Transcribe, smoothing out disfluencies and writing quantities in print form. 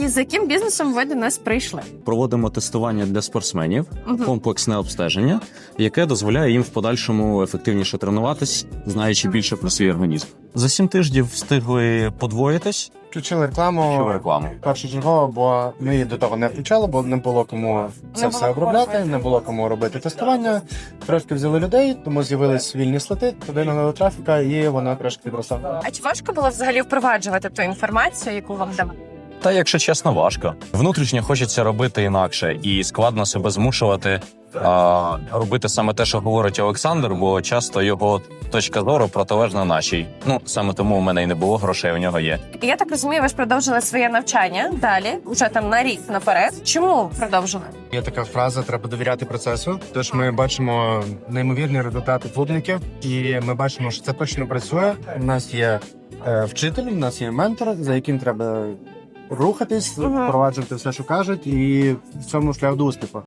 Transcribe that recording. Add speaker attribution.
Speaker 1: І з яким бізнесом ви до нас прийшли?
Speaker 2: Проводимо тестування для спортсменів, комплексне обстеження, яке дозволяє їм в подальшому ефективніше тренуватись, знаючи більше про свій організм. За 7 тижнів встигли подвоїтись.
Speaker 3: Включили рекламу першочергово, бо ми її до того не включали, бо не було кому це все обробляти, не було кому робити тестування. Трошки взяли людей, тому з'явились вільні слоти, туди налили трафіка, і вона трошки підросла.
Speaker 1: А чи важко було взагалі впроваджувати ту інформацію, яку вам давали?
Speaker 2: Та, якщо чесно, важко. Внутрішньо хочеться робити інакше і складно себе змушувати робити саме те, що говорить Олександр, бо часто його точка зору протилежна нашій. Саме тому у мене й не було грошей, у нього є.
Speaker 1: І я так розумію, ви ж продовжили своє навчання далі, вже там на рік наперед. Чому продовжили?
Speaker 3: Є така фраза: треба довіряти процесу. Тож ми бачимо неймовірні результати клубників, і ми бачимо, що це точно працює. У нас є вчитель, у нас є ментор, за яким треба рухатись, впроваджувати все, що кажуть, і в цьому шлях до успіху.